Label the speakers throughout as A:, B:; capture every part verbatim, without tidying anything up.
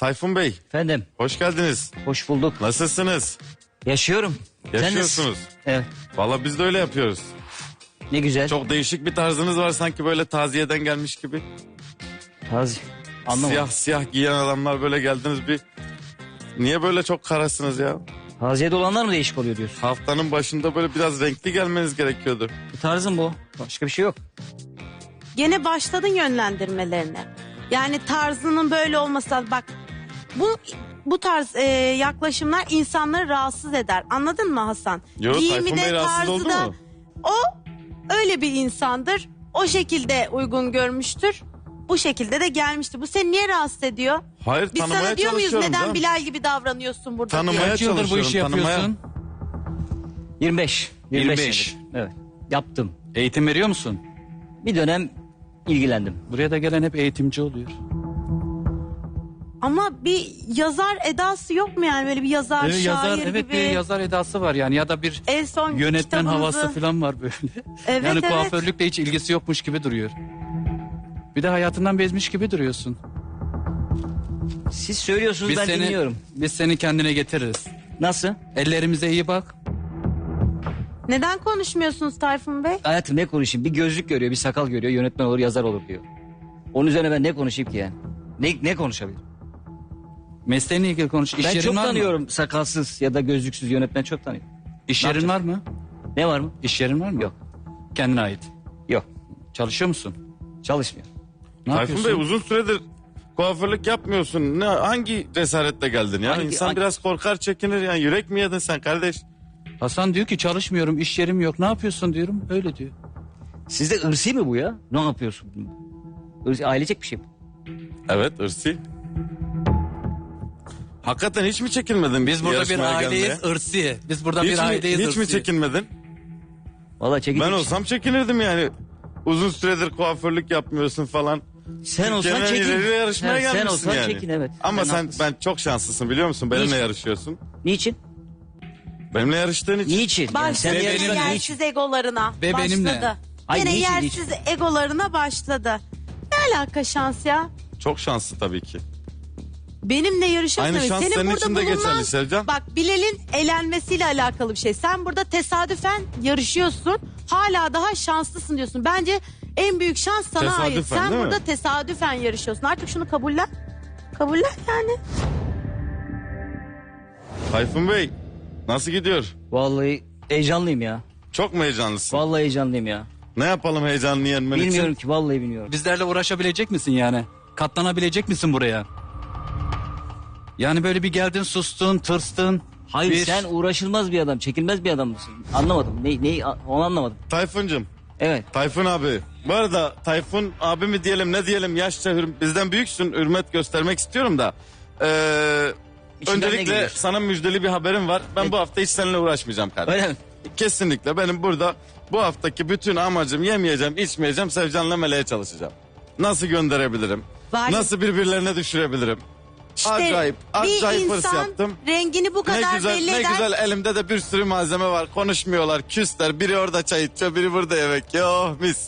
A: Tayfun Bey.
B: Efendim.
A: Hoş geldiniz.
B: Hoş bulduk.
A: Nasılsınız?
B: Yaşıyorum.
A: Yaşıyorsunuz.
B: Evet.
A: Valla biz de öyle yapıyoruz.
B: Ne güzel.
A: Çok değişik bir tarzınız var, sanki böyle taziyeden gelmiş gibi.
B: Taze. Anlamadım.
A: Siyah siyah giyen adamlar böyle geldiniz bir. Niye böyle çok karasınız ya?
B: Taziyede olanlar mı değişik oluyor diyorsun?
A: Haftanın başında böyle biraz renkli gelmeniz gerekiyordu.
B: Bu tarzım bu. Başka bir şey yok.
C: Gene başladın yönlendirmelerine. Yani tarzının böyle olması lazım. Bak bu bu tarz e, yaklaşımlar insanları rahatsız eder. Anladın mı Hasan?
A: Yo, Tayfun Bey rahatsız oldu
C: da,
A: mu?
C: o öyle bir insandır. O şekilde uygun görmüştür. Bu şekilde de gelmiştir. Bu seni niye rahatsız ediyor?
A: Hayır,
C: Biz
A: tanımaya
C: sana diyor muyuz
A: çalışıyorum
C: neden
A: da.
C: Bilal gibi davranıyorsun burada
A: Tanımaya
C: diye.
D: Kaç yıldır bu
A: çalışıyorum,
D: işi
A: tanımaya.
D: yapıyorsun?
B: yirmi beş.
D: yirmi beş.
B: senedir. Evet. Yaptım.
D: Eğitim veriyor musun?
B: Bir dönem ilgilendim.
D: Buraya da gelen hep eğitimci oluyor.
C: Ama bir yazar edası yok mu yani? Böyle bir yazar,
D: Ee,
C: şair
D: yazar,
C: gibi.
D: evet, bir yazar edası var yani, ya da bir
C: En son
D: yönetmen
C: kitabınızı-
D: havası falan var böyle.
C: Evet,
D: yani
C: evet.
D: kuaförlükle hiç ilgisi yokmuş gibi duruyor. Bir de hayatından bezmiş gibi duruyorsun.
B: Siz söylüyorsunuz,
D: Biz
B: ben
D: seni,
B: dinliyorum.
D: biz seni kendine getiririz.
B: Nasıl?
D: Ellerimize iyi bak.
C: Neden konuşmuyorsunuz Tayfun Bey?
B: Hayatım ne konuşayım? Bir gözlük görüyor, bir sakal görüyor, yönetmen olur, yazar olur diyor. Onun üzerine ben ne konuşayım ki yani? Ne, ne konuşabilirim?
D: Mesleğinle ilgili konuş. İş
B: Ben
D: yerin
B: çok
D: var mı?
B: tanıyorum sakalsız ya da gözlüksüz yönetmen, çok tanıyorum.
D: İş
B: Ne
D: yerin var
B: yapacağız?
D: mı?
B: Ne var mı?
D: İş yerin var mı?
B: Yok.
D: Kendine ait.
B: Yok.
D: Çalışıyor musun?
B: Çalışmıyor.
D: Ne
A: Tayfun
D: yapıyorsun?
A: Bey, uzun süredir kuaförlük yapmıyorsun. Ne, hangi cesaretle geldin ya?
B: Hangi-
A: İnsan
B: hangi-
A: biraz korkar, çekinir yani. Yürek mi yedin sen kardeş?
D: Hasan diyor ki çalışmıyorum, iş yerim yok. Ne yapıyorsun diyorum. Öyle diyor.
B: Sizde ırsi mi bu ya? Ne yapıyorsun? Irsi, ailecek bir şey mi?
A: Evet, ırsi. Hakikaten hiç mi çekinmedin?
D: Biz burada bir
A: yarışmaya
D: aileyiz,
A: gelmeye?
D: ırsi. Biz burada
A: Hiç,
D: bir
A: mi,
D: aileyiz,
A: hiç
D: ırsi.
A: mi çekinmedin?
B: Vallahi çekici.
A: Ben olsam çekinirdim yani. Uzun süredir kuaförlük yapmıyorsun falan.
B: Sen olsan
A: Genel
B: çekin.
A: ileri yarışmaya
B: Ha, sen
A: gelmişsin
B: olsan
A: yani.
B: çekin, evet.
A: Ama
B: Sen
A: sen
B: haklısın.
A: ben çok şanslısın, biliyor musun? Benimle
B: Niçin?
A: yarışıyorsun.
B: Niçin?
A: Benimle yarıştığın için.
B: Niçin? Yani
C: Başladı
B: sen
D: Ve
C: yine
D: benimle.
B: yarışmadın,
C: yersiz egolarına.
D: Ve
C: başladı.
D: benimle.
B: Ay,
C: Yine
B: niçin,
C: yersiz egolarına başladı. Ne alaka şans ya?
A: Çok şanslı tabii ki.
C: Benimle yarışıyorsun.
A: Aynı şans
C: Senin
A: senin
C: burada
A: için de
C: bulunan-
A: geçerli Sevcan.
C: Bak, Bilal'in elenmesiyle alakalı bir şey. Sen burada tesadüfen yarışıyorsun. Hala daha şanslısın diyorsun. Bence en büyük şans sana
A: Tesadüfen,
C: ait. Sen
A: değil mi?
C: burada tesadüfen yarışıyorsun. Artık şunu kabullen. Kabullen yani.
A: Tayfun Bey, nasıl gidiyor?
B: Vallahi heyecanlıyım ya.
A: Çok mu heyecanlısın?
B: Vallahi heyecanlıyım ya.
A: Ne yapalım heyecanını yenmen için?
B: Bilmiyorum ki, vallahi bilmiyorum.
D: Bizlerle uğraşabilecek misin yani? Katlanabilecek misin buraya? Yani böyle bir geldin, sustun, tırstın.
B: Hayır,
D: bir...
B: sen uğraşılmaz bir adam, çekilmez bir adam mısın? Anlamadım. Ne, ne, onu anlamadım.
A: Tayfun'cum,
B: Evet.
A: Tayfun abi. Bu arada Tayfun abi mi diyelim, ne diyelim, yaşça hür- bizden büyüksün, hürmet göstermek istiyorum da. Ee,
B: İçinden ne
A: öncelikle
B: geliyor?
A: sana müjdeli bir haberim var. Ben
B: Evet.
A: bu hafta hiç seninle uğraşmayacağım kardeşim.
B: Öyle mi?
A: Kesinlikle benim burada bu haftaki bütün amacım yemeyeceğim, içmeyeceğim, Sevcan'la Meleğe çalışacağım. Nasıl gönderebilirim?
C: Var ya-
A: Nasıl birbirlerine düşürebilirim?
C: İşte
A: acayip, acayip
C: bir
A: hırs
C: insan
A: yaptım.
C: rengini bu
A: Ne
C: kadar
A: güzel,
C: belli
A: ne
C: eder.
A: güzel, elimde de bir sürü malzeme var. Konuşmuyorlar, küsler. Biri orada çay içiyor, biri burada yemek. Yo mis.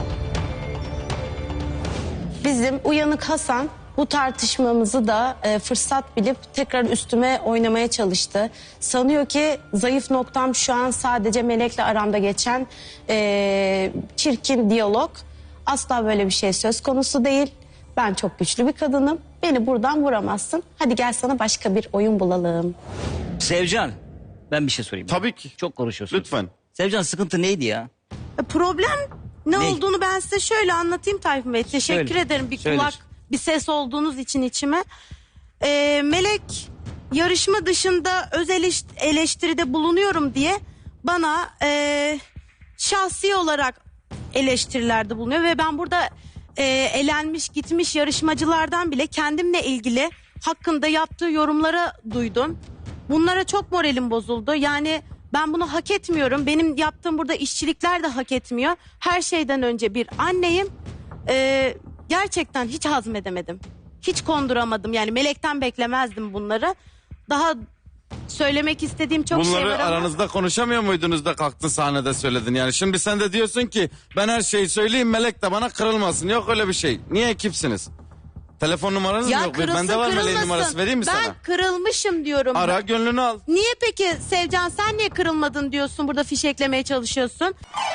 E: Bizim uyanık Hasan bu tartışmamızı da e, fırsat bilip tekrar üstüme oynamaya çalıştı. Sanıyor ki zayıf noktam şu an sadece Melek'le aramda geçen e, çirkin diyalog. Asla böyle bir şey söz konusu değil. Ben çok güçlü bir kadınım. Beni buradan vuramazsın. Hadi gel sana başka bir oyun bulalım.
B: Sevcan, ben bir şey sorayım.
A: Tabii ki.
B: Çok konuşuyorsun.
A: Lütfen.
B: Sevcan, sıkıntı neydi ya?
C: E, Problem ne,
B: Ne?
C: olduğunu ben size şöyle anlatayım Tayfun Bey. Teşekkür
B: Söyle.
C: ederim bir
B: Söyle.
C: kulak, bir ses olduğunuz için içime. E, Melek yarışma dışında öz eleşt- eleştiride bulunuyorum diye bana e, şahsi olarak eleştirilerde bulunuyor. Ve ben burada e, elenmiş gitmiş yarışmacılardan bile kendimle ilgili hakkında yaptığı yorumlara duydum. Bunlara çok moralim bozuldu. Yani ben bunu hak etmiyorum. Benim yaptığım burada işçilikler de hak etmiyor. Her şeyden önce bir anneyim. Ee, gerçekten hiç hazmedemedim. Hiç konduramadım. Yani Melek'ten beklemezdim bunları. Daha söylemek istediğim çok şey
A: Bunları
C: var ama...
A: aranızda konuşamıyor muydunuz da kalktın sahnede söyledin yani. Şimdi sen de diyorsun ki ben her şeyi söyleyeyim, Melek de bana kırılmasın. Yok öyle bir şey. Niye ekipsiniz? Telefon numaranız mı
C: Ya
A: yok?
C: kırılsın
A: Bende var Meleğin
C: kırılmasın.
A: numarası, vereyim mi
C: ben
A: sana?
C: kırılmışım diyorum.
A: Ara, gönlünü al.
C: Niye peki Sevcan sen niye kırılmadın diyorsun, burada fişeklemeye çalışıyorsun?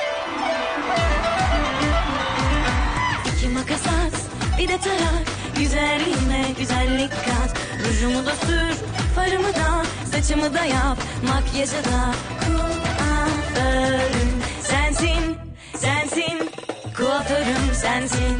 F: İki makas at, bir de tarak. Güzelliğime güzellik kat. Rujumu da sür, farımı da, saçımı da yap, makyajı da. Kuaförüm sensin, sensin. Kuaförüm sensin.